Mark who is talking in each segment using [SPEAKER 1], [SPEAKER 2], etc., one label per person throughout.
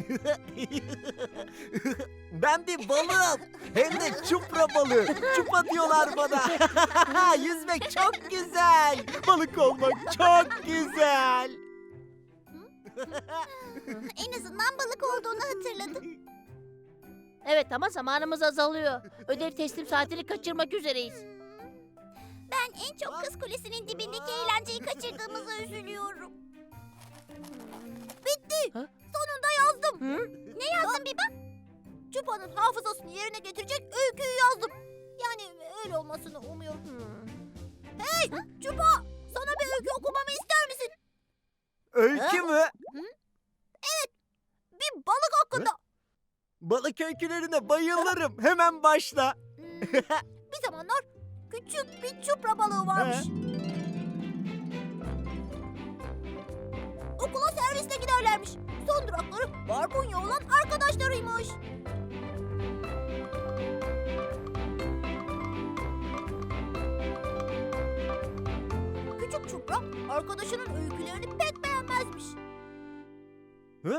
[SPEAKER 1] Ben bir balığım. Hem de çupra balığı. Çupa diyorlar bana. Yüzmek çok güzel. Balık olmak çok güzel.
[SPEAKER 2] En azından balık olduğunu hatırladım.
[SPEAKER 3] Evet ama zamanımız azalıyor. Ödev teslim saatini kaçırmak üzereyiz.
[SPEAKER 2] Ben en çok Kız Kulesi'nin dibindeki eğlenceyi kaçırdığımıza üzülüyorum. Bitti.
[SPEAKER 3] Ha?
[SPEAKER 2] Sonunda yazdım.
[SPEAKER 3] Hı?
[SPEAKER 2] Ne yazdın Biba? Çupa'nın hafızasını yerine getirecek öyküyü yazdım. Yani öyle olmasını umuyorum. Hey Çupa! Sana bir öykü okumamı ister misin?
[SPEAKER 1] Öykü mü?
[SPEAKER 2] Bir balık hakkında.
[SPEAKER 1] Balık öykülerine bayılırım. Hemen başla.
[SPEAKER 2] Bir zamanlar küçük bir çupra balığı varmış. Okula servisle giderlermiş. Son durakları barbunya olan arkadaşlarıymış. Küçük çupra arkadaşının öykülerini pek beğenmezmiş.
[SPEAKER 1] Hı?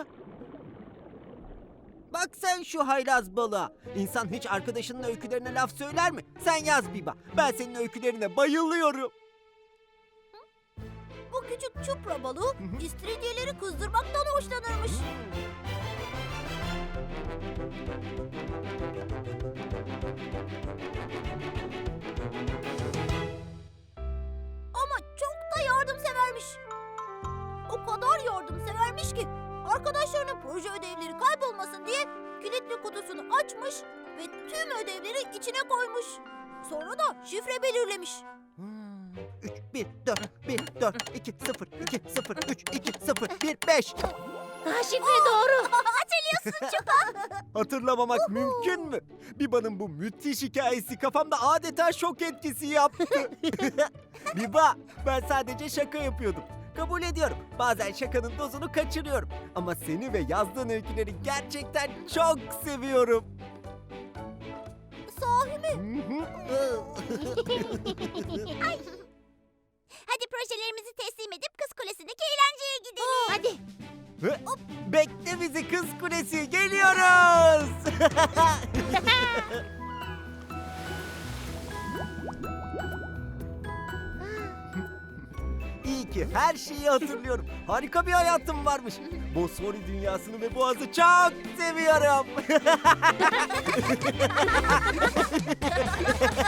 [SPEAKER 1] Bak sen şu haylaz balığa. İnsan hiç arkadaşının öykülerine laf söyler mi? Sen yaz Biba. Ben senin öykülerine bayılıyorum.
[SPEAKER 2] Bu küçük çupra balığı istiridyeleri kızdırmaktan hoşlanırmış. Ama çok da yardımsevermiş. O kadar yardımsevermiş ki arkadaşlarının proje ödevleri kaybolmasın diye kilitli kutusunu açmış ve tüm ödevleri içine koymuş. Sonra da şifre belirlemiş.
[SPEAKER 1] 3, 1, 4, 1, 4, 2, 0, 2, 0, 3, 2, 0, 1, 5.
[SPEAKER 3] Ha, şifre doğru.
[SPEAKER 2] Hatırlıyorsun çok.
[SPEAKER 1] Hatırlamamak mümkün mü? Biba'nın bu müthiş hikayesi kafamda adeta şok etkisi yaptı. Biba, ben sadece şaka yapıyordum. Kabul ediyorum. Bazen şakanın dozunu kaçırıyorum. Ama seni ve yazdığın öyküleri gerçekten çok seviyorum.
[SPEAKER 2] Sahi mi? Hadi projelerimizi teslim edip Kız Kulesi'ndeki eğlenceye gidelim.
[SPEAKER 3] Hadi.
[SPEAKER 1] Bekle bizi Kız Kulesi, geliyoruz. İyi ki her şeyi hatırlıyorum. Harika bir hayatım varmış. Bosfori dünyasını ve Boğaz'ı çok seviyorum.